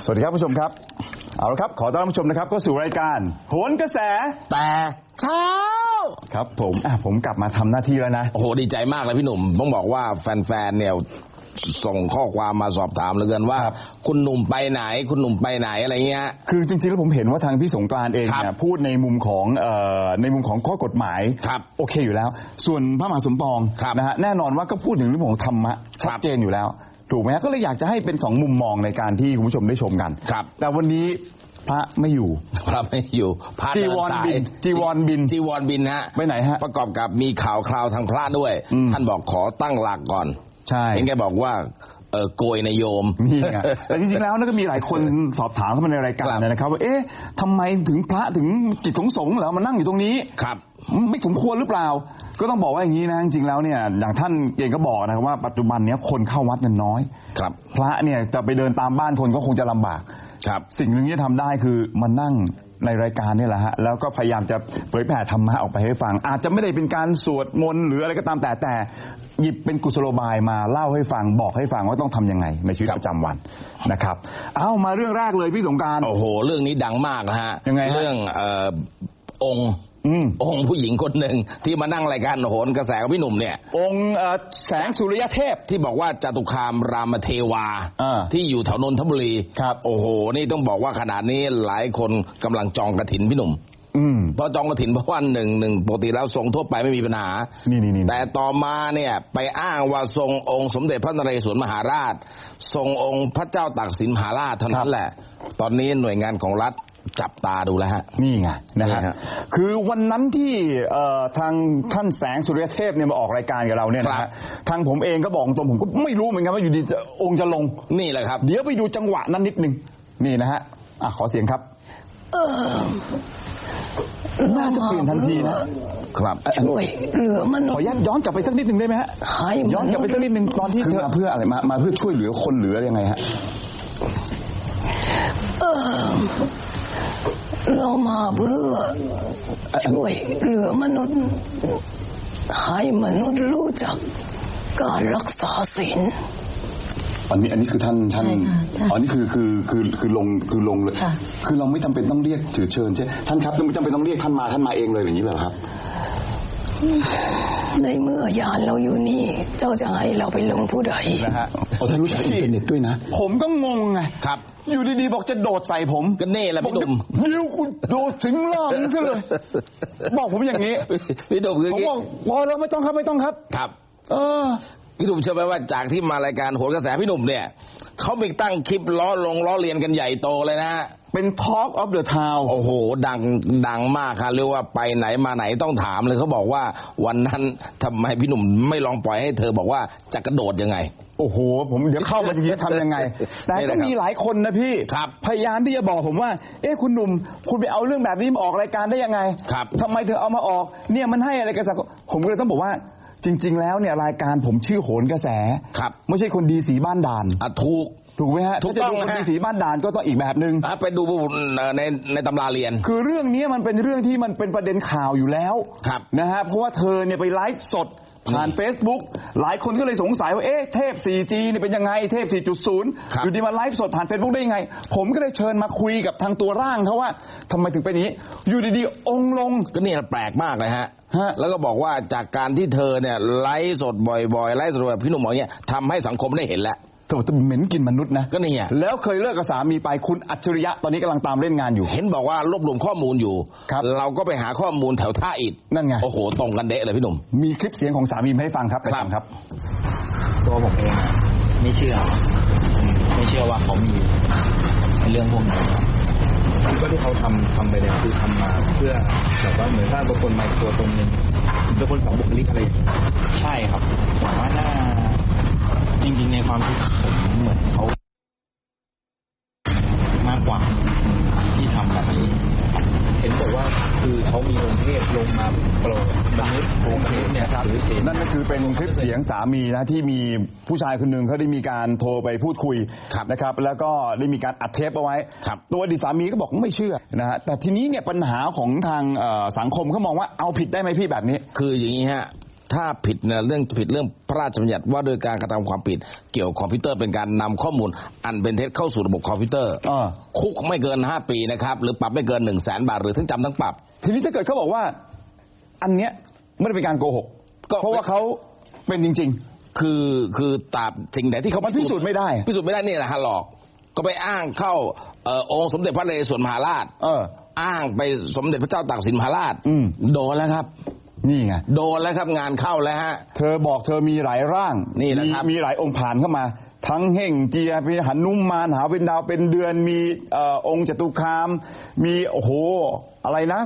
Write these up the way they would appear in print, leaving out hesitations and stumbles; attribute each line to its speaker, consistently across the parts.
Speaker 1: สวัสดีครับผู้ชมครับเอาละครับขอต้อนรับผู้ชมนะครับเข้าสู่รายการโหนกระแส
Speaker 2: แต่เช้า
Speaker 1: ครับผมกลับมาทำหน้าที่แล้วนะ
Speaker 2: โอ้โหดีใจมากเลยพี่หนุ่มต้องบอกว่าแฟนๆเนี่ยส่งข้อความมาสอบถามเหลือเกินว่าคุณหนุ่มไปไหนคุณหนุ่มไปไหนอะไรเงี้ย
Speaker 1: คือจริงๆแล้วผมเห็นว่าทางพี่สงกรานต์เองเนี่ยพูดในมุมของข้อกฎหมายโอเคอยู่แล้วส่วนพระมหาสมปองนะฮะแน่นอนว่าก็พูดถึงเรื่องของธรรมะชัดเจนอยู่แล้วถูกไหมฮะก็เลยอยากจะให้เป็น2มุมมองในการที่คุณผู้ชมได้ชมกันแต่วันนี้พระไม่อยู่จีวรบินฮะไปไหนฮะ
Speaker 2: ประกอบกับมีข่าวคราวทางพระด้วยท่านบอกขอตั้งหลักก่อน
Speaker 1: ใช่
Speaker 2: เห็นแกบอกว่าโกยนายโยม
Speaker 1: นี่ไงแต่จริงๆแล้วก็มีหลายคนสอบถามเข้ามาในรายการนะครับว่าเอ๊ะทำไมถึงพระถึงกิจของสงฆ์เหรอมานั่งอยู่ตรงนี้
Speaker 2: ครับ
Speaker 1: ไม่สมควรหรือเปล่าก็ต้องบอกว่าอย่างนี้นะจริงๆแล้วเนี่ยอย่างท่านเองก็บอกนะครับว่าปัจจุบันนี้คนเข้าวัดกันน้อย
Speaker 2: ครับ
Speaker 1: พระเนี่ยจะไปเดินตามบ้านคนก็คงจะลำบาก
Speaker 2: ครับ
Speaker 1: สิ่งหนึ่งที่ทำได้คือมานั่งในรายการนี่แหละฮะแล้วก็พยายามจะเผยแผ่ธรรมะออกไปให้ฟังอาจจะไม่ได้เป็นการสวดมนต์หรืออะไรก็ตามแต่หยิบเป็นกุศโลบายมาเล่าให้ฟังบอกให้ฟังว่าต้องทำยังไงในชีวิตประจำวันนะครับเอามาเรื่องแรกเลยพี่สงกรานต์
Speaker 2: โอ้โหเรื่องนี้ดังมากนะฮะ
Speaker 1: ยังไง
Speaker 2: เรื่ององค์ผู้หญิงคนหนึ่งที่มานั่งรายการโหนกระแสกับพี่หนุ่มเนี่ย
Speaker 1: องค์แสงสุริยเทพ
Speaker 2: ที่บอกว่าจตุคามรามเทวาที่อยู่แถวนนทบุรี
Speaker 1: ครับ
Speaker 2: โอ้โหนี่ต้องบอกว่าขนาดนี้หลายคนกำลังจองกฐินพี่หนุ่มเพราะจองกฐินเพราะว่าหนึ่งปกติแล้วทรงทั่วไปไม่มีปัญหาแต่ต่อมาเนี่ยไปอ้างว่าทรงองค์สมเด็จพระนเรศวรมหาราชทรงองค์พระเจ้าตากสินมหาราชเท่านั้นแหละตอนนี้หน่วยงานของรัฐจับตาดูแล้วฮะ
Speaker 1: นี่ไงนะฮะคือวันนั้นที่ทางท่านแสงสุริยเทพเนี่ยมาออกรายการกับเราเนี่ยนะฮะทางผมเองก็บอกตรงผมก็ไม่รู้เหมือนกันว่าอยู่ดีองค์จะลง
Speaker 2: นี่แหละครับ
Speaker 1: เดี๋ยวไปดูจังหวะนั้นนิดนึงนี่นะฮะขอเสียงครับน่าจะเปลี่ยนทันทีนะครับ
Speaker 3: ช่วยเหลือมัน
Speaker 1: ขอย้อนกลับไปสักนิดนึงได้ไหมฮะย้อนกลับไปสักนิดนึงตอนที่เธอเพื่ออะไรมาเพื่อช่วยเหลือคนเหลือยังไงฮะ
Speaker 3: เรามาเพื่อช่วยเหลือมนุษย์ให้มนุษย์รู้จักการรักษาศีล
Speaker 1: อันนี้คือท่านอันนี้คือลงเลยคือเราไม่จำเป็นต้องเรียกถือเชิญใช่ท่านครับไม่จำเป็นต้องเรียกท่านมาเองเลยอย่างนี้เหรอครับ
Speaker 3: ในเมื่อยานเราอยู่นี่เจ้าจะให้เราไปลงผู้ใด
Speaker 1: นะฮะท่านรู้จักอินเทอร์เน็ตด้วยนะผมก็งงไง
Speaker 2: ครับ
Speaker 1: อยู่ดีๆบอกจะโดดใส่ผม
Speaker 2: ก็เน่แหละพี่หนุ่ม
Speaker 1: เดี๋ยวคุณโดดถึงล่างซะเลยบอกผมอย่างนี้
Speaker 2: พี่หนุ่ม
Speaker 1: ผมบอกพอแล้วไม่ต้องครับ
Speaker 2: ครับพี่หนุ่มเชื่อไหมว่าจากที่มารายการโหนกระแสพี่หนุ่มเนี่ยเขาไปตั้งคลิปล้อเลียนกันใหญ่โตเลยนะ
Speaker 1: เป็น Talk of the Town
Speaker 2: โอ้โหดังมากครับเรียกว่าไปไหนมาไหนต้องถามเลยเขาบอกว่าวันนั้นทำไมพี่หนุ่มไม่ลองปล่อยให้เธอบอกว่าจะกระโดดยังไง
Speaker 1: โอ้โหผมเดี๋ยวเข้ามาทีทำยังไงแต่ก็มีหลายคนนะพี่พยายามที่จะบอกผมว่าคุณหนุ่มคุณไปเอาเรื่องแบบนี้มาออกรายการได้ยังไงทำไมเธอเอามาออกเนี่ยมันให้อะไรกันสักผมก็เลยต้องบอกว่าจริงๆแล้วเนี่ยรายการผมชื่อโหนกระแสไม่ใช่คนดีสีบ้านด่านถูกไหมฮะ
Speaker 2: ถูกต้อง
Speaker 1: คนดีสีบ้านด่านก็ต้องอีกแบบนึง
Speaker 2: ไปดูในตำราเรียน
Speaker 1: คือเรื่องนี้มันเป็นเรื่องที่มันเป็นประเด็นข่าวอยู่แล้วนะฮะเพราะว่าเธอเนี่ยไปไลฟ์สดผ่าน Facebook หลายคนก็เลยสงสัยว่าเทพ 4G เนี่ยเป็นยังไงเทพ 4.0 อยู่ดีมาไลฟ์สดผ่าน Facebook ได้ยังไงผมก็เลยเชิญมาคุยกับทางตัวร่างเขาว่าทำไมถึงเป็นอย่างนี้อยู่ดีๆองค์ลง
Speaker 2: ก็เนี่ยแปลกมากเลยฮะแล้วก็บอกว่าจากการที่เธอเนี่ยไลฟ์สดบ่อยๆไลฟ์สดแบบพี่หนุ่มบอกเนี่ยทำให้สังคมได้เห็นแล้ว
Speaker 1: เธอเหม็นกินมนุษย์นะ
Speaker 2: ก็นี่ไง
Speaker 1: แล้วเคยเลิกกับสามีไปคุณอัจฉริยะตอนนี้กำลังตามเล่นงานอยู่
Speaker 2: เห็นบอกว่ารวบรวมข้อมูลอยู่เราก็ไปหาข้อมูลแถวท่าอิฐ
Speaker 1: นั่นไง
Speaker 2: โอ้โหตรงกันเดะเลยพี่หนุ่ม
Speaker 1: มีคลิปเสียงของสามีมาให้ฟังครับไปฟังครับ
Speaker 4: ตัวผมเองไม่เชื่อว่าเขามีเรื่องพวกนี้ก็ที่เขาทำไปเนี่ยคือทำมาเพื่อแบบว่าเหมือนสร้างตัวตนใหม่ตัวตนหนึ่งเป็นคนสองบุคลิกอะไรใช่ครับผมว่าน่าจริงๆในความคิดผมเหมือนเขามากกว่าที่ทำแบบนี้เห็นบอกว่าคือเขามีองค์เทพลงมาโปรดมนุษย์เนี่ยครับ
Speaker 1: นั่นก็คือเป็นคลิปเสียงสามีนะที่มีผู้ชายคนหนึ่งเขาได้มีการโทรไปพูดคุยนะครับแล้วก็ได้มีการอัดเทปเอาไว้ตัวอดีตสามีก็บอกไม่เชื่อนะฮะแต่ทีนี้เนี่ยปัญหาของทางสังคมเขามองว่าเอาผิดได้ไหมพี่แบบนี้
Speaker 2: คืออย่างนี้ฮะถ้าผิดเนี่ยเรื่องพระราชบัญญัติว่าโดยการกระทำความผิดเกี่ยวกับคอมพิวเตอร์เป็นการนำข้อมูลอันเป็นเท็จเข้าสู่ระบบคอมพิวเตอร์คุกไม่เกิน5 ปีนะครับหรือปรับไม่เกิน100,000 บาทหรือทั้งจำทั้งปรับ
Speaker 1: ทีนี้ถ้าเกิดเขาบอกว่าอันเนี้ยไม่ได้เป็นการโกหกเพราะว่าเขาเป็นจริง
Speaker 2: ๆคือตราบสิ่งไหนที่เขา
Speaker 1: พิสูจน์ไม่ได้
Speaker 2: นี่แหละฮะหลอกก็ไปอ้างเข้าองค์สมเด็จพระนเรศวรมหาราชอ้างไปสมเด็จพระเจ้าตากสินมหาราชโดนแล้วครับ
Speaker 1: นี่ไง
Speaker 2: โดนแล้วครับงานเข้าแล้วฮะ
Speaker 1: เธอบอกเธอมีหลายร่าง
Speaker 2: นี่นะครับ
Speaker 1: มีหลายองค์ผ่านเข้ามาทั้งเฮ่งเจียมีหนุมานหาเป็นดาวเป็นเดือนมีองค์จตุคามมีโอ้โหอะไรนะ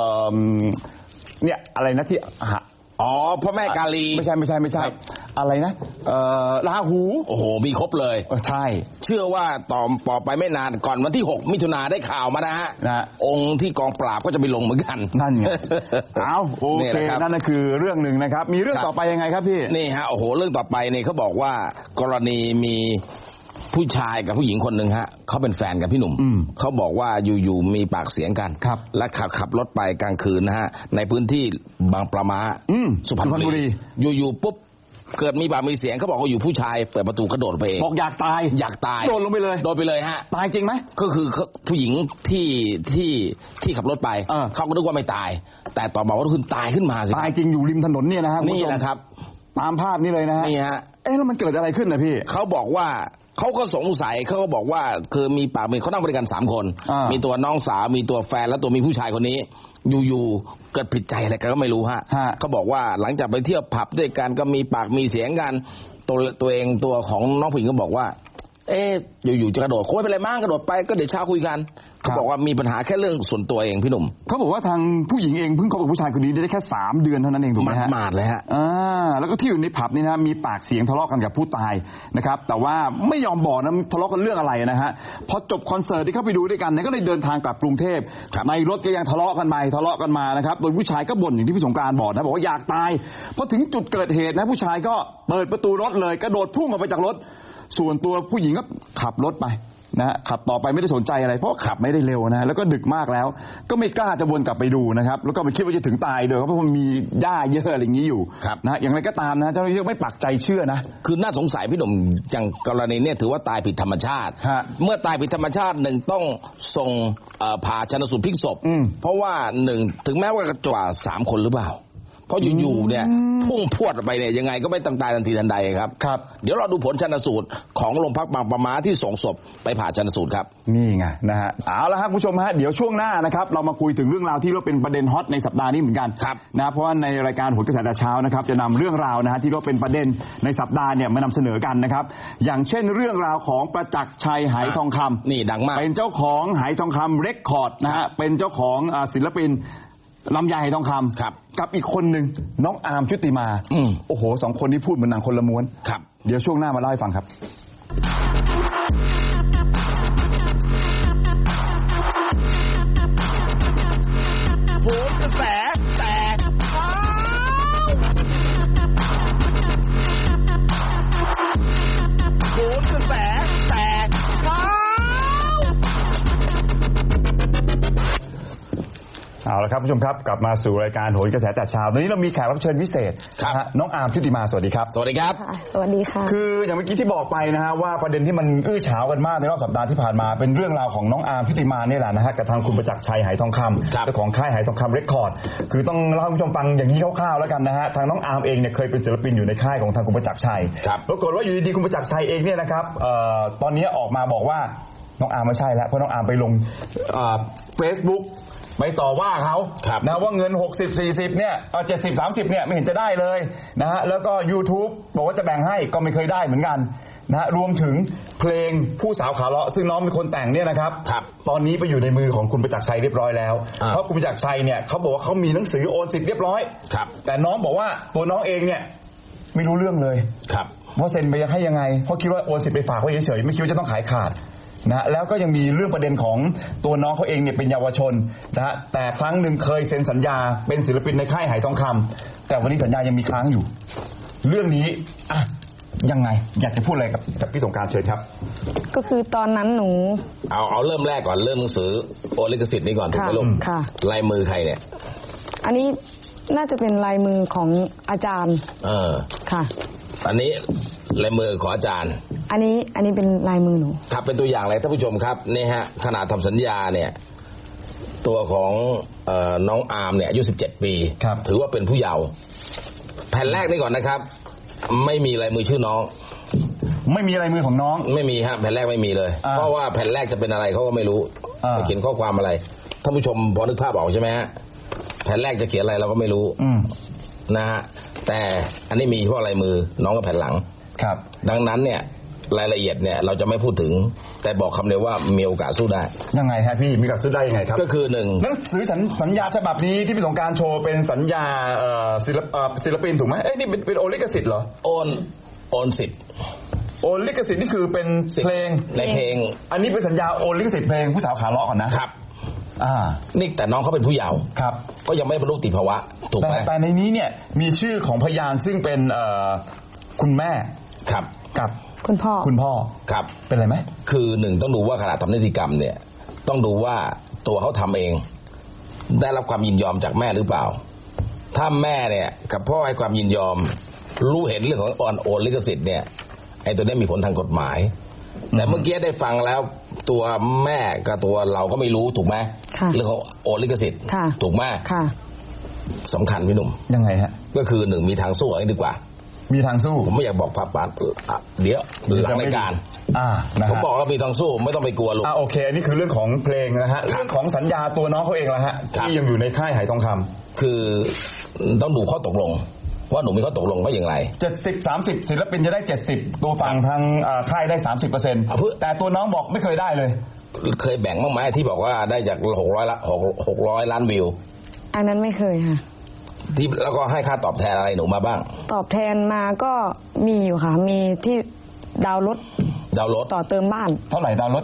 Speaker 1: เนี่ยอะไรนะที่
Speaker 2: พระแม่กาลี
Speaker 1: ไม่ใช่อะไรนะราหู
Speaker 2: โอ้โหมีครบเลย
Speaker 1: ใช่
Speaker 2: เชื่อว่าต่อไปไม่นานก่อนวันที่6 มิถุนาได้ข่าวมานะฮะองค์ที่กองปราบก็จะไปลงเหมือนกัน
Speaker 1: นั่นไงเอาโอเคนั่นก็คือเรื่องหนึ่งนะครับมีเรื่องต่อไปยังไงครับพี่
Speaker 2: นี่ฮะโอ้โหเรื่องต่อไปนี่เขาบอกว่ากรณีมีผู้ชายกับผู้หญิงคนหนึ่งฮะเขาเป็นแฟนกับพี่หนุ่มเขาบอกว่าอยู่มีปากเสียงกันและขับรถไปกลางคืนนะฮะในพื้นที่บางปลาม้าสุพรรณบุรีอยู่ปุ๊บเกิดมีปากมีเสียงเขาบอกว่าอยู่ผู้ชายเปิดประตูกระโดดไปเอง
Speaker 1: บอกอยากตายโดดลงไปเลย
Speaker 2: ฮะ
Speaker 1: ตายจริงไหม
Speaker 2: ก็คือผู้หญิงที่ขับรถไปเขาก็นึกว่าไม่ตายแต่ต่อมาว่าคุณตายขึ้นมาสิ
Speaker 1: ตายจริงอยู่ริมถนนเนี่ยนะฮะ
Speaker 2: นี่แหละครับ
Speaker 1: ตามภาพนี้เลยนะฮะ
Speaker 2: นี่ฮะ
Speaker 1: แล้วมันเกิดอะไรขึ้นนะพี่
Speaker 2: เขาบอกว่าเขาก็สงสัยเขาก็บอกว่าคือมีปากมีเขานั่งบริการ3 คนมีตัวน้องสาวมีตัวแฟนและตัวมีผู้ชายคนนี้อยู่เกิดผิดใจอะไรกันก็ไม่รู้ฮะเขาบอกว่าหลังจากไปเที่ยวผับด้วยกันก็มีปากมีเสียงกันตัวของน้องผู้หญิงก็บอกว่าอยู่จะกระโดดคงไม่เป็นไรมั้งกระโดดไปก็เดี๋ยวเช้าคุยกันเขาบอกว่ามีปัญหาแค่เรื่องส่วนตัวเองพี่หนุ่ม
Speaker 1: เขาบอกว่าทางผู้หญิงเองเพิ่งคบกับผู้ชายคนนี้ได้แค่3 เดือนเท่านั้นเองถูกไหมฮะ
Speaker 2: มาดเลยฮะ
Speaker 1: แล้วก็ที่อยู่ในผับนี่นะมีปากเสียงทะเลาะกันกับผู้ตายนะครับแต่ว่าไม่ยอมบอกนะทะเลาะกันเรื่องอะไรนะฮะพอจบคอนเสิร์ตที่เข้าไปดูด้วยกันเนี่ยก็เลยเดินทางกลับกรุงเทพในรถก็ยังทะเลาะกันมานะครับโดยผู้ชายก็บ่นอย่างที่พี่สงกรานต์บอกนะบอกว่าอยากตายพอถึงจุดเกิดเหตุนะผู้ชายก็เปิดประตูรถเลยกระโดดพุ่งออกไปจากรถส่วนตัวผู้หญิงก็ขับรถไปนะขับต่อไปไม่ได้สนใจอะไรเพราะขับไม่ได้เร็วนะแล้วก็ดึกมากแล้วก็ไม่กล้าจะวนกลับไปดูนะครับแล้วก็ไม่คิดว่าจะถึงตายโดยเพราะมันมีหญ้าเยอะอะไรอย่างนี้อยู่นะอย่างไรก็ตามนะเจ้าหน้าที่ไม่ปักใจเชื่อนะ
Speaker 2: คือน่าสงสัยพี่หนุ่มอย่างกรณีเนี่ยถือว่าตายผิดธรรมชาติเมื่อตายผิดธรรมชาติ1ต้องส่งผ่าชันสูตรพลิกศพเพราะว่า1ถึงแม้ว่าจะว่า3 คนหรือเปล่าเพราะอยู่ๆเนี่ยพุ่งพรวดไปเนี่ยยังไงก็ไม่ต้องตายทันทีทันใดครับเดี๋ยวเราดูผลชันสูตรของโรงพักบางปะม้าที่ส่งศพไปผ่าชันสูตรครับ
Speaker 1: นี่ไงนะฮะเอาละครับคุณผู้ชมฮะเดี๋ยวช่วงหน้านะครับเรามาคุยถึงเรื่องราวที่เป็นประเด็นฮอตในสัปดาห์นี้เหมือนกันนะเพราะว่าในรายการโหนกระแสแต่เช้านะครับจะนำเรื่องราวนะฮะที่เป็นประเด็นในสัปดาห์เนี่ยมานำเสนอกันนะครับอย่างเช่นเรื่องราวของประจักษ์ชัยไหทองคำ
Speaker 2: นี่ดังมาก
Speaker 1: เป็นเจ้าของไหทองคำเรคคอร์ดนะฮะเป็นเจ้าของศิลปินลำไยไหทองคำกับอีกคนหนึ่งน้องอาร์มชุติมาโอ้โห2 คนนี้พูดเหมือนหนังคนละม้วนเดี๋ยวช่วงหน้ามาเล่าให้ฟังครับ
Speaker 2: โหนกระแสแตกโหนกระแสแตก
Speaker 1: เอาละครับผู้ชมครับกลับมาสู่รายการโหนกระแสแต่เช้าตอนนี้เรามีแขกรับเชิญพิเศษน้องอาร์มชุติมาสวัสดีครับ
Speaker 2: สวัสดีครับ
Speaker 5: สวัสดีค่ะ
Speaker 1: คืออย่างเมื่อกี้ที่บอกไปนะฮะว่าประเด็นที่มันอื้อฉาวกันมากในรอบสัปดาห์ที่ผ่านมาเป็นเรื่องราวของน้องอาร์มชุติมาเนี่ยแหละนะฮะกับทางคุณประจักษ์ชัยไหทองคำเจ้าของค่ายไหทองคำเรคคอร์ดคือต้องเล่าให้ผู้ชมฟังอย่างนี้คร่าวๆแล้วกันนะฮะทางน้องอาร์มเองเนี่ยเคยเป็นศิลปินอยู่ในค่ายของทางคุณประจักษ์ชัยปรากฏว่าอยู่ดีๆคุณประจักษ์ชัยเองเนี่ยนะครับตอนนี้ออกมาบอกว่าน้องอาร์มไม่ใช่แล้วเพราะน้องอาร์มไปลงFacebookไปต่อว่าเขานะว่าเงิน60-40เนี่ย70-30เนี่ยไม่เห็นจะได้เลยนะฮะแล้วก็ YouTube บอกว่าจะแบ่งให้ก็ไม่เคยได้เหมือนกันนะรวมถึงเพลงผู้สาวขาเลาะซึ่งน้องเป็นคนแต่งเนี่ยนะครับตอนนี้ไปอยู่ในมือของคุณประจักษ์ชัยเรียบร้อยแล้วเพราะคุณประจักษ์ชัยเนี่ยเขาบอกว่าเขามีหนังสือโอนสิทธิ์เรียบร้อยแต่น้องบอกว่าตัวน้องเองเนี่ยไม่รู้เรื่องเลยว่าเซ็นไปให้ยังไงเพราะคิดว่าโอนสิทธิ์ไปฝากไว้เฉยๆไม่คิดว่าจะต้องขายขาดนะแล้วก็ยังมีเรื่องประเด็นของตัวน้องเขาเองเนี่ยเป็นเยาวชนนะแต่ครั้งหนึ่งเคยเซ็นสัญญาเป็นศิลปินในค่ายไหทองคำแต่วันนี้สัญญายังมีค้างอยู่เรื่องนี้ยังไงอยากจะพูดอะไรกับพี่สงกรานต์เชิญครับ
Speaker 5: ก็คือตอนนั้นหนู
Speaker 2: เอาเริ่มแรกก่อนเริ่มหนังสือโอลิขสิทธิ์นี้ก่อนถูกไหมลูกลายมือใครเนี่ย
Speaker 5: อันนี้น่าจะเป็นลายมือของอาจารย์ค่ะ
Speaker 2: อันนี้ลายมือของอาจารย์
Speaker 5: อันนี้เป็นลายมือหนู
Speaker 2: ครับเป็นตัวอย่างเลยท่านผู้ชมครับนี่ฮะขณะทำสัญญาเนี่ยตัวของน้องอาร์มเนี่ยอายุ17 ปีถือว่าเป็นผู้เยาว์แผ่นแรกนี่ก่อนนะครับไม่มีลายมือชื่อน้อง
Speaker 1: ไม่มีลายมือของน้อง
Speaker 2: ไม่มีฮะแผ่นแรกไม่มีเลยเพราะว่าแผ่นแรกจะเป็นอะไรเขาก็ไม่รู้จะเขียนข้อความอะไรท่านผู้ชมพอนึกภาพออกใช่ไหมฮะแผ่นแรกจะเขียนอะไรเราก็ไม่รู้นะฮะแต่อันนี้มีเฉพาะลายมือน้องกับแผ่นหลัง
Speaker 1: ครับ
Speaker 2: ดังนั้นเนี่ยรายละเอียดเนี่ยเราจะไม่พูดถึงแต่บอกคำเดียวว่ามีโอกาสสู้ได้
Speaker 1: ยังไงฮะพี่มีโอกาสสู้ได้ยังไงครับ
Speaker 2: ก็คือหนึ่ง
Speaker 1: หนังสือสัญญาฉบับนี้ที่พี่สงกรานต์โชว์เป็นสัญญาศิลปินถูกไหมนี่เป็นโอนลิขสิทธิ์เหรอ
Speaker 2: โอนสิทธิ์
Speaker 1: โอนลิขสิทธิ์นี่คือเป็นเพลง
Speaker 2: ในเพลง
Speaker 1: อันนี้เป็นสัญญาโอนลิขสิทธิ์เพลงผู้สาวขาเลาะก่อนนะครับ
Speaker 2: นี่แต่น้องเขาเป็นผู้เยาว์
Speaker 1: ครับ
Speaker 2: ก็ยังไม่บรรลุนิติภาวะถูกไหม
Speaker 1: แต่ในนี้เนี่ยมีชื่อของพยานซึ่งเป็นคุณแม่
Speaker 2: ครับ
Speaker 1: กับ
Speaker 5: คุณพ่อ
Speaker 2: ครับ
Speaker 1: เป็นไรไหม
Speaker 2: คือหนึ่งต้องดูว่าขณะทำนิติกรรมเนี่ยต้องดูว่าตัวเขาทำเองได้รับความยินยอมจากแม่หรือเปล่าถ้าแม่เนี่ยกับพ่อให้ความยินยอมรู้เห็นเรื่องของโอนลิขสิทธิ์เนี่ยไอ้ตัวนี้มีผลทางกฎหมายแต่เมื่อกี้ได้ฟังแล้วตัวแม่กับตัวเราก็ไม่รู้ถูกไหมเรื่องของโอนลิขสิทธิ์ถูกไหมสำคัญพี่หนุ่ม
Speaker 1: ยังไงฮะ
Speaker 2: ก็คือหนึ่งมีทางสู้อะไรดีกว่า
Speaker 1: มีทางสู้
Speaker 2: ผมไม่อยากบอกปาเดี๋ยวหลังรายการผมบอกว่ามีทางสู้ไม่ต้องไปกลัวลูก
Speaker 1: โอเคอันนี้คือเรื่องของเพลงนะฮะเรื่องของสัญญาตัวน้องเขาเองละฮะที่ยังอยู่ในค่ายไหทองคำ
Speaker 2: คือต้องดูข้อตกลงว่าหนูมีข้อตกลงว่าอย่างไร
Speaker 1: 70-30ศิลปินจะได้70ตัวฝั่งทางค่ายได้ 30%แต่ตัวน้องบอกไม่เคยได้เลย
Speaker 2: เคยแบ่งบ้างไหมที่บอกว่าได้จาก600 ล้านวิว
Speaker 5: อันนั้นไม่เคยค่ะ
Speaker 2: ที่แล้วก็ให้ค่าตอบแทนอะไรหนูมาบ้าง
Speaker 5: ตอบแทนมาก็มีอยู่ค่ะมีที่ดาวรถต่อเติมบ้าน
Speaker 1: เท่าไหร่ดาวรถ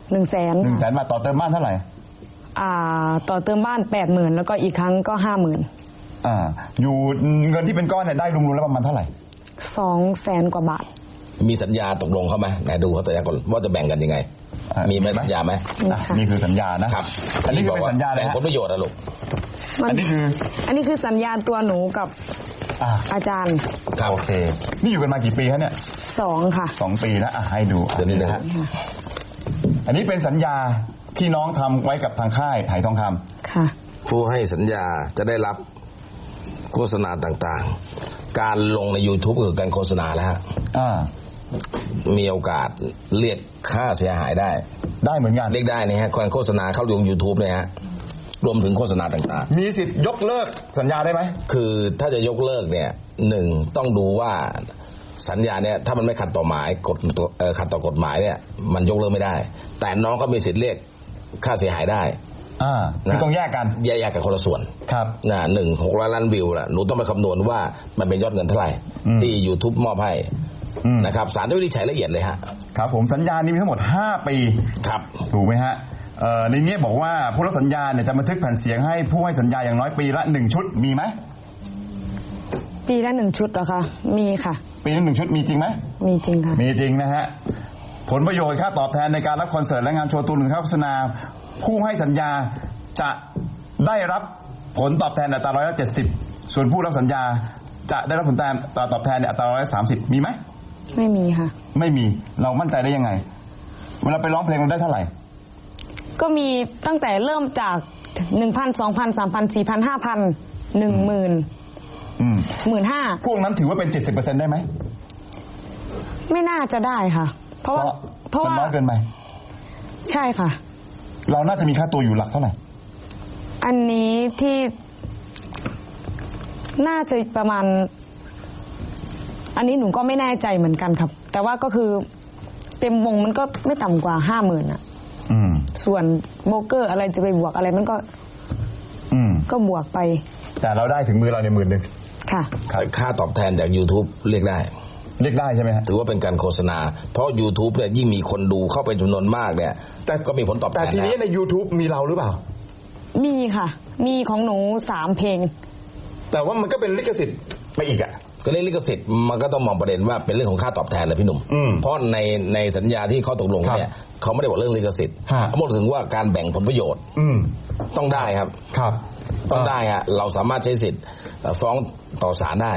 Speaker 5: 100,000
Speaker 1: บาทต่อเติมบ้านเท่าไหร่
Speaker 5: ต่อเติมบ้าน 80,000แล้วก็อีกครั้งก็ 50,000
Speaker 1: อยู่เงินที่เป็นก้อนเนี่ยได้รวมๆแล้วประมาณเท่าไหร่
Speaker 5: 200,000 กว่าบาท
Speaker 2: มีสัญญาตกลงเขาไหมไหนดูเขาแต่ละคนว่าจะแบ่งกันยังไงมีไหมสัญญาไหม
Speaker 1: นี่คือสัญญานะครับอันนี้คือเป็นสัญญาเลย
Speaker 2: แบ่งผลประโยชน์นะลูก
Speaker 5: อันนี้คือสัญญาตัวหนูกับอาจารย์
Speaker 1: โอเคนี่อยู่กันมากี่ปีครับเนี่ย
Speaker 5: 2ค่ะ
Speaker 1: 2 ปีแล้วให้ดูเดี๋ยวนี้นะฮะอันนี้เป็นสัญญาที่น้องทำไว้กับทางค่ายไหทองค
Speaker 5: ำค่ะ
Speaker 2: ผู้ให้สัญญาจะได้รับโฆษณาต่างๆการลงใน YouTube คือการโฆษณาแล้วฮะมีโอกาสเรียกค่าเสียหายได้
Speaker 1: เหมือนกัน
Speaker 2: เรียกได้นี่ฮะการโฆษณาเข้าลง YouTube เนี่ยฮะรวมถึงโฆษณาต่าง
Speaker 1: ๆมีสิทธิ์ยกเลิกสัญญาได้ไหม
Speaker 2: คือถ้าจะยกเลิกเนี่ยหนึ่งต้องดูว่าสัญญาเนี่ยถ้ามันไม่ขัดต่อหมายขัดต่อกฎหมายเนี่ยมันยกเลิกไม่ได้แต่น้องก็มีสิทธิ์เรียกค่าเสียหายได้
Speaker 1: คือต้องแยกกัน
Speaker 2: แยกกันคนละส่วน
Speaker 1: ครับ
Speaker 2: 600 ล้านวิวล่ะหนูต้องไปคำนวณว่ามันเป็นยอดเงินเท่าไหร่ที่ YouTube มอบให้นะครับศาลจะวินิจฉัยละเอียดเลยฮะ
Speaker 1: ครับผมสัญญานี้มีทั้งหมด5 ปี
Speaker 2: ครับ
Speaker 1: ถูกไหมฮะในนี้บอกว่าผู้รับสัญญาเนี่ยจะบันทึกแผ่นเสียงให้ผู้ให้สัญญาอย่างน้อยปีละ1 ชุดมีไหม
Speaker 5: ปีละ1 ชุดเหรอคะมีค่ะ
Speaker 1: ปีละ1 ชุดมีจริงไหม
Speaker 5: มีจริงค่ะ
Speaker 1: มีจริงนะฮะผลประโยชน์ค่าตอบแทนในการรับคอนเสิร์ตและงานโชว์ตัวหรือโฆษณาผู้ให้สัญญาจะได้รับผลตอบแทนอัตรา170ส่วนผู้รับสัญญาจะได้รับผลตอบแทนอัตรา130มีไหม
Speaker 5: ไม่มีค่ะ
Speaker 1: ไม่มีเรามั่นใจได้ยังไงเวลาไปร้องเพลงเราได้เท่าไหร่
Speaker 5: ก็มีตั้งแต่เริ่มจาก 1,000 2,000 3,000 4,000 5,000 10,000 15,000
Speaker 1: พวกนั้นถือว่าเป็น 70% ได้ไหม
Speaker 5: ไม่น่าจะได้ค่ะเพราะว่า
Speaker 1: น้อยเกินไป
Speaker 5: ใช่ค่ะ
Speaker 1: เราน่าจะมีค่าตัวอยู่หลักเท่าไหร่
Speaker 5: อันนี้ที่น่าจะประมาณอันนี้หนูก็ไม่แน่ใจเหมือนกันครับแต่ว่าก็คือเต็มวงมันก็ไม่ต่ำกว่า 50,000 อ่ะส่วนโบรกเกอร์อะไรจะไปบวกอะไรมันก็บวกไป
Speaker 1: แต่เราได้ถึงมือเราใน10,000
Speaker 5: ค่ะ
Speaker 2: ค่าตอบแทนจาก YouTube เรียกได้
Speaker 1: ใช่ไหมฮะ
Speaker 2: ถือว่าเป็นการโฆษณาเพราะ YouTube เนี่ยยิ่งมีคนดูเข้าไปจำนวนมากเนี่ยแต่ก็มีผลตอบแทน
Speaker 1: แต่ทีนี้ใน YouTube มีเราหรือเปล่า
Speaker 5: มีค่ะมีของหนู3 เพลง
Speaker 1: แต่ว่ามันก็เป็นลิขสิทธิ์ไปอีกอ่ะ
Speaker 2: ก็เรื่องลิขสิทธิ์มันก็ต้องมองประเด็นว่าเป็นเรื่องของค่าตอบแทนเลยพี่หนุ่มเพราะในสัญญาที่เขาตกลงเนี่ยเขาไม่ได้บอกเรื่องลิขสิทธิ์เขาบอกถึงว่าการแบ่งผลประโยชน์ต้องได้ครับ
Speaker 1: ครับ
Speaker 2: ต้องได้ฮะเราสามารถใช้สิทธิ์ฟ้องต่อศาลได้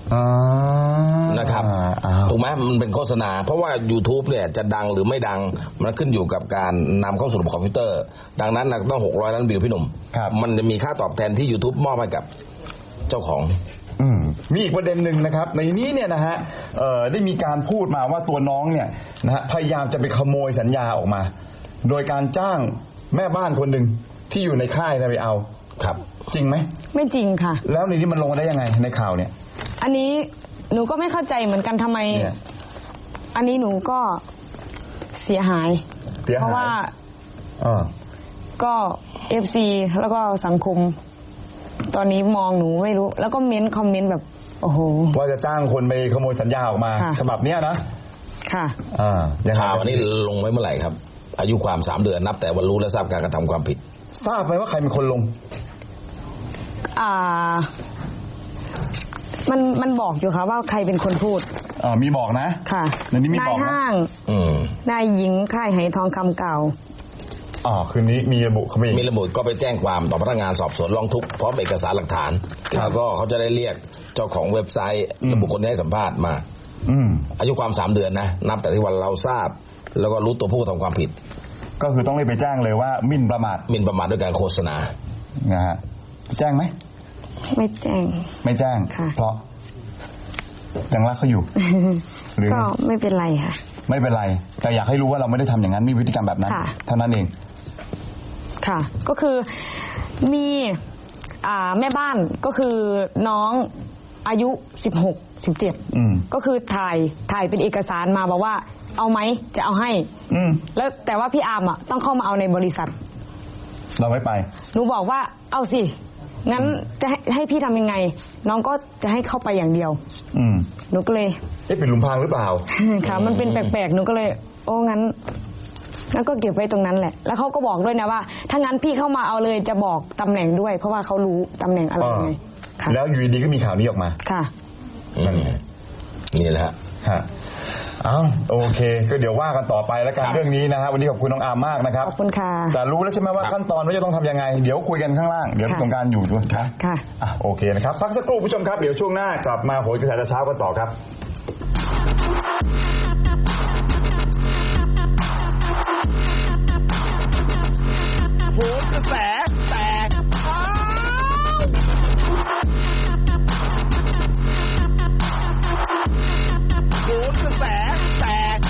Speaker 2: นะครับถูกไหมมันเป็นโฆษณาเพราะว่า YouTube เนี่ยจะดังหรือไม่ดังมันขึ้นอยู่กับการนำเข้าสู่ระบบคอมพิวเตอร์ดังนั้นต้อง600 ล้านวิวพี่หนุ่มมันจะมีค่าตอบแทนที่ YouTube มอบให้กับเจ้าของ
Speaker 1: มีอีกประเด็นหนึ่งนะครับในนี้เนี่ยนะฮะได้มีการพูดมาว่าตัวน้องเนี่ยนะฮะพยายามจะไปขโมยสัญญาออกมาโดยการจ้างแม่บ้านคนหนึ่งที่อยู่ในค่ายไปเอา
Speaker 2: ครับ
Speaker 1: จริงไหม
Speaker 5: ไม่จริงค่ะ
Speaker 1: แล้วในนี้มันลงได้ยังไงในข่าวเนี่ย
Speaker 5: อันนี้หนูก็ไม่เข้าใจเหมือนกันทำไมอันนี้หนูก็เสียหายเพราะว่าก็ FC แล้วก็สังคมตอนนี้มองหนูไม่รู้แล้วก็คอมเมนต์แบบโอ้โห
Speaker 1: ว่าจะจ้างคนไปขโมยสัญญาออกมาฉบับเนี้ยนะ
Speaker 5: ค่ะ
Speaker 2: ข่าวอันนี้ลงไว้เมื่อไหร่ครับอายุความ3 เดือนนับแต่วันรู้และทราบการกระทำความผิด
Speaker 1: ทราบไหมว่าใครเป็นคนลง
Speaker 5: มันบอกอยู่ค่ะว่าใครเป็นคนพูด
Speaker 1: มีบอกนะ
Speaker 5: ค่ะนายห้างนายหญิงค่ายไหทองคำเก่า
Speaker 1: คืนนี้มีระบุเขา
Speaker 2: มีระบุก็ไปแจ้งความต่อพนักงานสอบสวนร้องทุกข์พร้อมเอกสารหลักฐานแล้วก็เขาจะได้เรียกเจ้าของเว็บไซต์ระบุคนที่ให้สัมภาษณ์มาอายุความ3 เดือนนะนับแต่ที่วันเราทราบแล้วก็รู้ตัวผู้กระทำความผิด
Speaker 1: ก็คือต้องรีบไปแจ้งเลยว่าหมิ่นประมาท
Speaker 2: ด้วยการโฆษณา
Speaker 1: นะฮะแจ้งไหม
Speaker 5: ไม่แจ้ง
Speaker 1: เพราะยังรักเขาอยู่
Speaker 5: หรือก็ไม่เป็นไรค่ะ
Speaker 1: ไม่เป็นไรแต่อยากให้รู้ว่าเราไม่ได้ทำอย่างนั้นมีพฤติกรรมแบบนั้นเท่านั้นเอง
Speaker 5: ค่ะก็คือมีแม่บ้านก็คือน้องอายุ16-17ก็คือถ่ายเป็นเอกสารมาบอกว่าเอาไหมจะเอาให้แล้วแต่ว่าพี่อาร์มต้องเข้ามาเอาในบริษัท
Speaker 1: เราไม่ไป
Speaker 5: หนูบอกว่าเอาสิงั้นจะให้พี่ทำยังไงน้องก็จะให้เข้าไปอย่างเดียวหนูก็เลย
Speaker 1: เป็นหลุมพรางหรือเปล่า
Speaker 5: ค่ะมันเป็นแปลกๆหนูก็เลยโอ้งั้นก็เก็บไว้ตรงนั้นแหละแล้วเขาก็บอกด้วยนะว่าถ้างั้นพี่เข้ามาเอาเลยจะบอกตำแหน่งด้วยเพราะว่าเขารู้ตำแหน่งอะไรไง
Speaker 1: แล้วอยู่ดีก็มีข่าวนี้ออกมา
Speaker 5: ค่ะ
Speaker 2: นี่แหละ
Speaker 1: ฮะโอเคก็เดี๋ยวว่ากันต่อไปแล้วกันเรื่องนี้นะฮะวันนี้ขอบคุณน้องอาร์มมากนะครับ
Speaker 5: ขอบคุณค่ะ
Speaker 1: แต่รู้แล้วใช่ไหมว่าขั้นตอนว่าจะต้องทำยังไงเดี๋ยวคุยกันข้างล่างเดี๋ยวตรงการอยู่ด้วย
Speaker 5: ค่ะ
Speaker 1: โอเคนะครับพักสักครู่ผู้ชมครับเดี๋ยวช่วงหน้ากลับมาโหนกระแสเช้ากันต่อครับ
Speaker 2: โหนกระแสแตกโหนกระแสแตก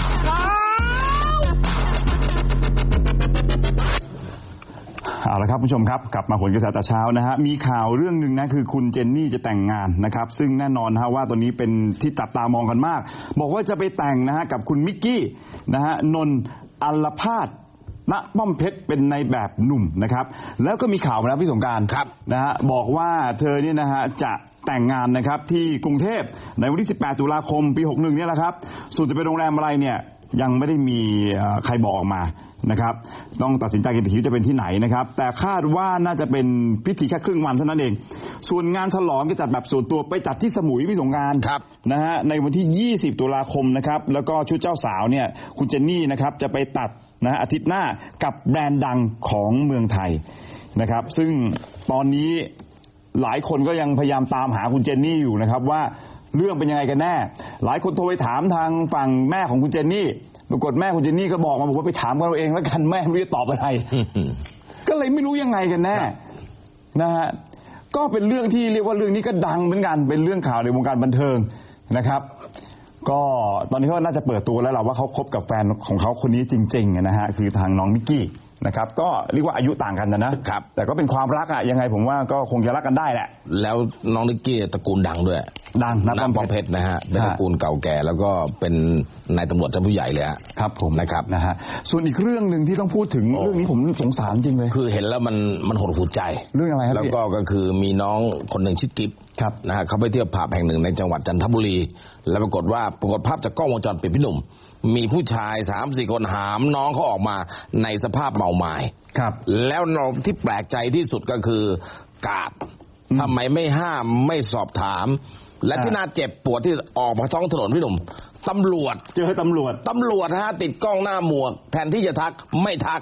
Speaker 1: เอาละครับผู้ชมครับกลับมาโหนกระแสแต่เช้านะฮะมีข่าวเรื่องหนึ่งนะคือคุณเจนนี่จะแต่งงานนะครับซึ่งแน่นอนนะฮะว่าตอนนี้เป็นที่จับตามองกันมากบอกว่าจะไปแต่งนะฮะกับคุณมิกกี้นะฮะนนท์อัลภาสณป้อมเพชรเป็นในแบบหนุ่มนะครับแล้วก็มีข่าวมาแล้วพี่สงกรานต์นะฮะบอกว่าเธอเนี่ยนะฮะจะแต่งงานนะครับที่กรุงเทพในวันที่18 ตุลาคมปี 61เนี่ยแหละครับส่วนจะเป็นโรงแรมอะไรเนี่ยยังไม่ได้มีใครบอกออกมานะครับต้องตัดสินใจกันอีกทีจะเป็นที่ไหนนะครับแต่คาดว่าน่าจะเป็นพิธีแค่ครึ่งวันเท่านั้นเองส่วนงานฉลองจะจัดแบบส่วนตัวไปจัดที่สมุยพี่สงกรานต์นะฮะในวันที่20 ตุลาคมนะครับแล้วก็ชุดเจ้าสาวเนี่ยคุณเจนนี่นะครับจะไปตัดนะอาทิตย์หน้ากับแบรนด์ดังของเมืองไทยนะครับซึ่งตอนนี้หลายคนก็ยังพยายามตามหาคุณเจนนี่อยู่นะครับว่าเรื่องเป็นยังไงกันแน่หลายคนโทรไปถามทางฝั่งแม่ของคุณเจนนี่ปรากฏแม่คุณเจนนี่ก็บอกมาว่าไปถามกันเราเองแล้วกันแม่ไม่รู้จะตอบอะไร ก็เลยไม่รู้ยังไงกันแน่นะฮะก็เป็นเรื่องที่เรียกว่าเรื่องนี้ก็ดังเหมือนกันเป็นเรื่องข่าวในวงการบันเทิงนะครับก็ตอนนี้เขาน่าจะเปิดตัวแล้วล่ะว่าเขาคบกับแฟนของเขาคนนี้จริงๆนะฮะคือทางน้องมิกกี้นะครับก็เรียกว่าอายุต่างกันนะครับแต่ก็เป็นความรักยังไงผมว่าก็คงจะรักกันได้แหละ
Speaker 2: แล้วน้องนิกกี้ตระกูลดังด้วย
Speaker 1: ดัง
Speaker 2: น้ำป้อมเพชรนะฮะเป็นตระกูลเก่าแก่แล้วก็เป็นนายตำรวจชั้นผู้ใหญ่เลย
Speaker 1: ครับผม
Speaker 2: นะครับ
Speaker 1: นะฮะส่วนอีกเรื่องหนึ่งที่ต้องพูดถึงเรื่องนี้ผมสงสารจริงเลย
Speaker 2: คือเห็นแล้วมันหดหู่ใจ
Speaker 1: เรื่องอะไรครับ
Speaker 2: แล้วก็คือมีน้องคนหนึ่งชื่อกิ๊บนะฮะเขาไปเที่ยวผับแห่งหนึ่งในจังหวัดจันทบุรีแล้วปรากฏภาพจากกล้องวงจรปิดพี่หนุ่มมีผู้ชาย 3-4 คนหามน้องเขาออกมาในสภาพเมาไม้แล้วน้องที่แปลกใจที่สุดก็คือกาดทำไมไม่ห้ามไม่สอบถามและที่น่าเจ็บปวดที่ออกมาท้องถนนพี่หนุ่มตำรวจ
Speaker 1: เจอตำรวจ
Speaker 2: ฮะติดกล้องหน้าหมวกแทนที่จะทักไม่ทัก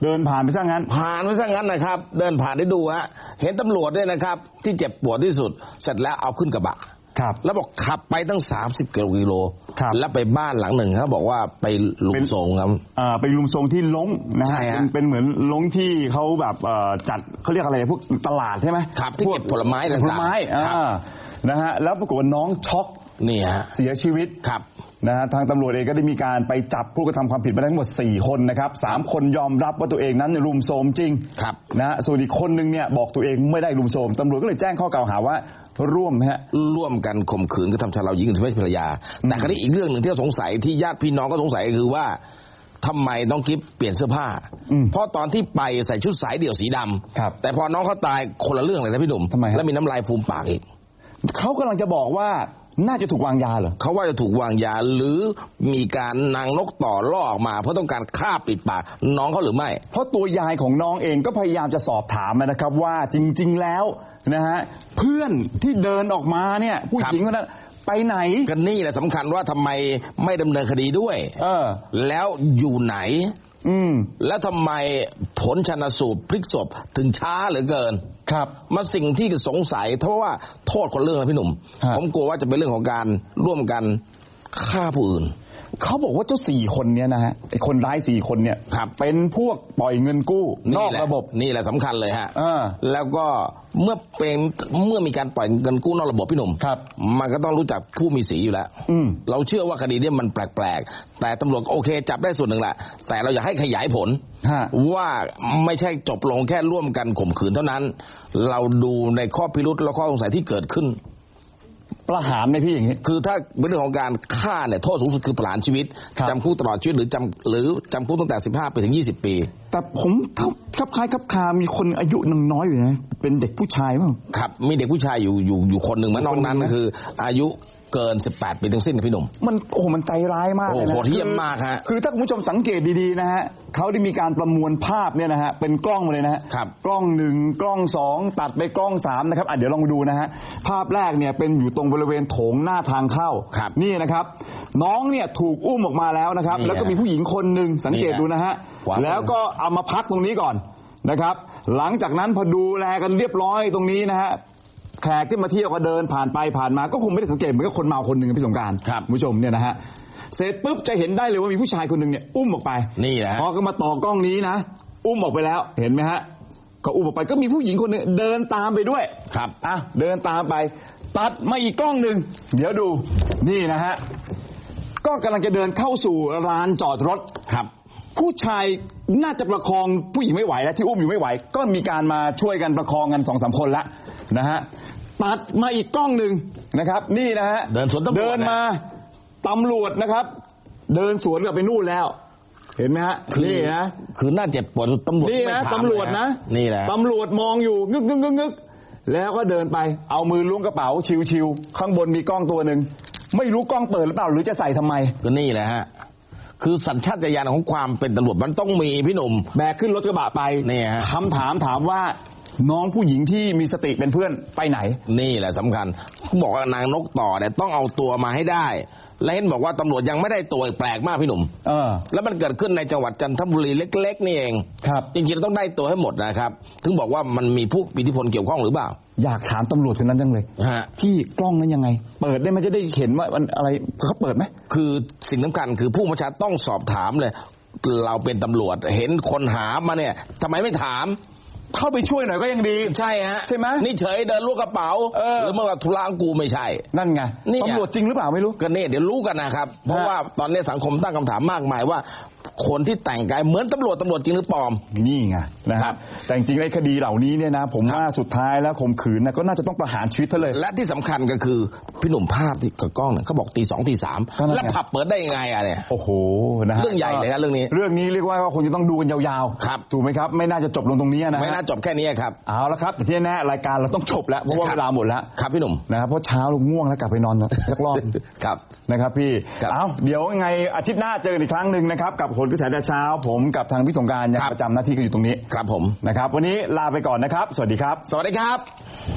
Speaker 1: เดินผ่านไปซะงั้น
Speaker 2: นะครับเดินผ่านได้ดูฮะเห็นตำรวจด้วยนะครับที่เจ็บปวดที่สุดเสร็จแล้วเอาขึ้นกระบะแล้วบอกขับไปตั้ง30 กิโลแล้วไปบ้านหลังหนึ่งเขาบอกว่าไปลุมทรงครับ
Speaker 1: ไปลุมทรงที่ลงนะฮะเป็นเหมือนลงที่เขาแบบจัดเขาเรียกอะไรพวกตลาดใช่ไหม
Speaker 2: ครับที่เก็บผลไม้ต่าง
Speaker 1: ๆนะฮะแล้วปรากฏว่าน้องช็อก
Speaker 2: นี่ฮะ
Speaker 1: เสียชีวิตนะฮะทางตำรวจเองก็ได้มีการไปจับผู้กระทำความผิดมาทั้งหมด4 คนนะครับ3 คนยอมรับว่าตัวเองนั้นรุมโทรมจริงนะส่วนอีกคนนึงเนี่ยบอกตัวเองไม่ได้รุมโทรมตำรวจก็เลยแจ้งข้อกล่าวหาว่าร่วม
Speaker 2: กันข่มขืนกระทำชำเราหญิงไม่ใช่ภรรยาแต่คราวนี้อีกเรื่องหนึ่งที่สงสัยที่ญาติพี่น้องก็สงสัยคือว่าทำไมน้องกิ๊บเปลี่ยนเสื้อผ้าเพราะตอนที่ไปใส่ชุดสายเดี่ยวสีดำแต่พอน้องเขาตายคนละเรื่องเลยนะพี่หนุ่มแล้วมีน้ำลายฟูมปากอีก
Speaker 1: เขากำลังจะบอกว่าน่าจะถูกวางยาเหรอ
Speaker 2: เขาว่าจะถูกวางยาหรือมีการนางนกต่อล่อออกมาเพราะต้องการฆ่าปิดปากน้องเขาหรือไม่
Speaker 1: เพราะตัวยายของน้องเองก็พยายามจะสอบถามนะครับว่าจริงๆแล้วนะฮะเพื่อนที่เดินออกมาเนี่ยผู้หญิงคนนั้นไปไหน
Speaker 2: กันนี่แหละสำคัญว่าทำไมไม่ดำเนินคดีด้วยแล้วอยู่ไหนแล้วทำไมผลชันสูตรพลิกศพถึงช้าเหลือเกินมาสิ่งที่สงสัยเพราะว่าโทษคนเรื่องนะพี่หนุ่มผมกลัวว่าจะเป็นเรื่องของการร่วมกันฆ่าผู้อื่น
Speaker 1: เขาบอกว่าเจ้า4 คนเนี่ยนะฮะไอ้คนร้าย4 คนเนี่ยเป็นพวกปล่อยเงินกู้นอกระบบ
Speaker 2: นี่แหละสำคัญเลยฮะแล้วก็เมื่อมีการปล่อยเงินกู้นอกระบบพี่หนุ่มมันก็ต้องรู้จักผู้มีสีอยู่แล้วเราเชื่อว่าคดีนี้มันแปลกๆแต่ตำรวจโอเคจับได้ส่วนหนึ่งแหละแต่เราอยากให้ขยายผลว่าไม่ใช่จบลงแค่ร่วมกันข่มขืนเท่านั้นเราดูในข้อพิรุธและข้อสงสัยที่เกิดขึ้น
Speaker 1: ประหารไหมพี่อย่างนี้
Speaker 2: คือถ้าเป็นเรื่องของการฆ่าเนี่ยโทษสูงสุดคือประหารชีวิตจำคุกตลอดชีวิตหรือจำคุกตั้งแต่15 ปีถึง20 ปี
Speaker 1: แต่ผมคับคล้ายคับคามีคนอายุน้อยอยู่นะเป็นเด็กผู้ชายมั้ง
Speaker 2: ครับมีเด็กผู้ชายอยู่คนหนึ่งมันนอกนั้นคืออายุเกิน18 ปีทั้งสิ้นนะพี่หนุ่ม
Speaker 1: มันใจร้ายมากเลยนะ
Speaker 2: โหดเหี้ยมมากฮะ
Speaker 1: คือถ้าคุณผู้ชมสังเกตดีๆนะฮะเขาได้มีการประมวลภาพเนี่ยนะฮะเป็นกล้องมาเลยนะฮะกล้อง1กล้อง2ตัดไปกล้อง3นะครับเดี๋ยวลองดูนะฮะภาพแรกเนี่ยเป็นอยู่ตรงบริเวณโถงหน้าทางเข้านี่นะครับน้องเนี่ยถูกอุ้มออกมาแล้วนะครับแล้วก็มีผู้หญิงคนหนึ่งสังเกตดูนะฮะแล้วก็เอามาพักตรงนี้ก่อนนะครับหลังจากนั้นพอดูแลกันเรียบร้อยตรงนี้นะฮะแขกที่มาเที่ยวก็เดินผ่านไปผ่านมาก็คงไม่ได้สังเกตเหมือนกับคนเมาคนหนึ่งพี่สงกรานต์คุณผู้ชมเนี่ยนะฮะเสร็จปุ๊บจะเห็นได้เลยว่ามีผู้ชายคนหนึ่งเนี่ยอุ้มออกไป
Speaker 2: นี่แหละ
Speaker 1: พอก็มาต่อกล้องนี้นะอุ้มออกไปแล้วเห็นไหมฮะก็อุ้มออกไปก็มีผู้หญิงคนนึงเดินตามไปด้วยเดินตามไปตัดมาอีกกล้องหนึ่งเดี๋ยวดูนี่นะฮะก็กำลังจะเดินเข้าสู่ร้านจอดรถผู้ชายน่าจะประคองผู้หญิงไม่ไหวแล้วที่อุ้มอยู่ไม่ไหวก็มีการมาช่วยกันประคองกัน 2-3 คนละนะฮะตัดมาอีกกล้องหนึ่งนะครับนี่นะฮะเดินมาตำรวจนะครับเดินสวนกลับไปนู่นแล้วเห็นไหมฮะนี่นะ
Speaker 2: คือน่าเจ็บปวดตำรวจ
Speaker 1: นี่นะตำรวจนะ
Speaker 2: นี่แหละ
Speaker 1: ตำรวจมองอยู่งึกแล้วก็เดินไปเอามือล้วงกระเป๋าชิวๆข้างบนมีกล้องตัวหนึ่งไม่รู้กล้องเปิดหรือเปล่าหรือจะใส่ทำไม
Speaker 2: ก็นี่แหละฮะคือสัญชาตญาณของความเป็นตำรวจมันต้องมีพี่หนุ่ม
Speaker 1: แบกขึ้นรถกระบะไปคำถามว่าน้องผู้หญิงที่มีสติเป็นเพื่อนไปไหน
Speaker 2: นี่แหละสำคัญบอกว่านางนกต่อเนี่ยต้องเอาตัวมาให้ได้และเห็นบอกว่าตำรวจยังไม่ได้ตัวแปลกมากพี่หนุ่มแล้วมันเกิดขึ้นในจังหวัดจันทบุรีเล็กๆนี่เองจริงๆเราต้องได้ตัวให้หมดนะครับถึงบอกว่ามันมีผู้มีอิทธิพลเกี่ยวข้องหรือเปล่า
Speaker 1: อยากถามตำรวจคนนั้นจังเลยพี่กล้องนั้นยังไงเปิดได้ไหมจะได้เห็นว่ามันอะไรเขาเปิดไหม
Speaker 2: คือสิ่งสำคัญคือผู้บัญชาการต้องสอบถามเลยเราเป็นตำรวจเห็นคนหามาเนี่ยทำไมไม่ถาม
Speaker 1: เข้าไปช่วยหน่อยก็ยังดี
Speaker 2: ใช่ฮะ
Speaker 1: ใช่ไหม
Speaker 2: นี่เฉยเดินลูกกระเป๋าหรือเมื่อธุระกูไม่ใช่
Speaker 1: นั่นไงตำรวจจริงหรือเปล่าไม่รู้
Speaker 2: ก็เนี่ยเดี๋ยวรู้กันนะครับเพราะว่าตอนนี้สังคมตั้งคำถามมากมายว่าคนที่แต่งกายเหมือนตำรวจจริงหรือปลอม
Speaker 1: นี่ไงนะครับแต่จริงๆในคดีเหล่านี้เนี่ยนะผมว่าสุดท้ายแล้วข่มขืนนะก็น่าจะต้องประหารชีวิตเลย
Speaker 2: และที่สำคัญก็คือพี่หนุ่มภาพที่กับกล้องเนี่ยเขาบอกตี 2 ตี 3แล้วผับเปิดได้ยังไงอะเนี่ย
Speaker 1: โอ้โหนะฮะ
Speaker 2: เรื่องใหญ่เลยครับเรื่องนี้
Speaker 1: เรียกว่าคงจะต้องดูกันยาวๆครับถูกไหมครับไม่น่าจะจบลงตรงนี้นะ
Speaker 2: ไม่น่าจบแค่นี้ครับ
Speaker 1: เอาละครับแต่ที่แน่รายการเราต้องจบแล้วเพราะว่าเวลาหมดแล้ว
Speaker 2: ครับพี่หนุ่ม
Speaker 1: นะครับเพราะเช้าเราง่วงแล้วกลับไปนอนสักรอบ
Speaker 2: ครับ
Speaker 1: นะครับพี่เอาเดี๋ยวยังไงอาทิตย์หน้าเจออีกครั้งนึงนะครับกับผลกระแสเช้าผมกับทางพี่สงกรานต์ยังประจำหน้าที่กันอยู่ตรงนี้
Speaker 2: ครับผม
Speaker 1: นะครับวันนี้ลาไปก่อนนะครับสวัสดีครับ
Speaker 2: สวัสดีครับ